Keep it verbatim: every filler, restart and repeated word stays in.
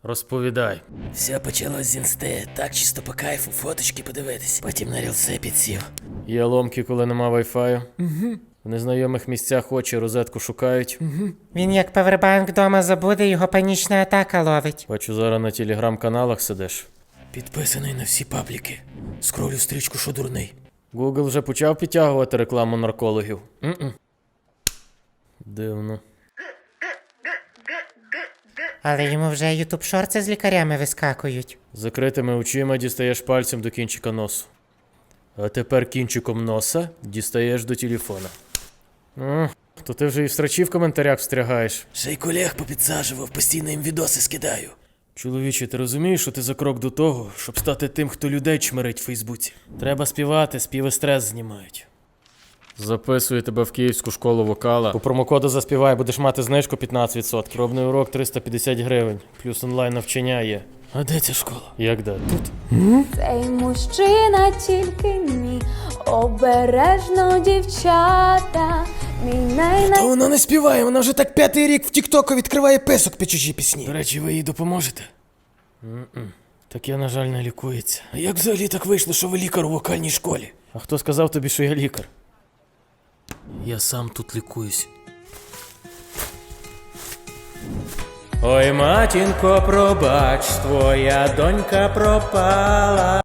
Розповідай. Все почалось з інсти, так чисто по кайфу, фоточки подивитись. Потім на рілси підсів. Є ломки, коли нема вайфаю. Угу. В незнайомих місцях очі розетку шукають. Угу. Він як павербанк вдома забуде, його панічна атака ловить. Бачу, зараз на телеграм-каналах сидиш. Підписаний на всі пабліки. Скролю стрічку, що дурний. Google вже почав підтягувати рекламу наркологів. М-м. Дивно. Але йому вже ютуб шорти з лікарями вискакують. Закритими очима дістаєш пальцем до кінчика носу. А тепер кінчиком носа дістаєш до телефона. О, то ти вже і в срачі в коментарях встрягаєш. Ще й колег попідсаджував, постійно їм відоси скидаю. Чоловіче, ти розумієш, що ти за крок до того, щоб стати тим, хто людей чмирить в Фейсбуці? Треба співати, співи стрес знімають. Записую тебе в Київську школу вокала. По промокоду «Заспівай» будеш мати знижку п'ятнадцять відсотків. Пробний урок триста п'ятдесят гривень. Плюс онлайн навчання є. А де ця школа? Як де? Тут. Цей мужчина тільки мій, обережно дівчата, мій най Та вона не співає, вона вже так п'ятий рік в тіктоку відкриває писок під чужі пісні. До речі, ви їй допоможете? М-м. Таке, на жаль, не лікується. А як взагалі так вийшло, що ви лікар у вокальній школі? А хто сказав тобі, що я лікар? Я сам тут лікуюсь. Ой, матінко, пробач, твоя донька пропала.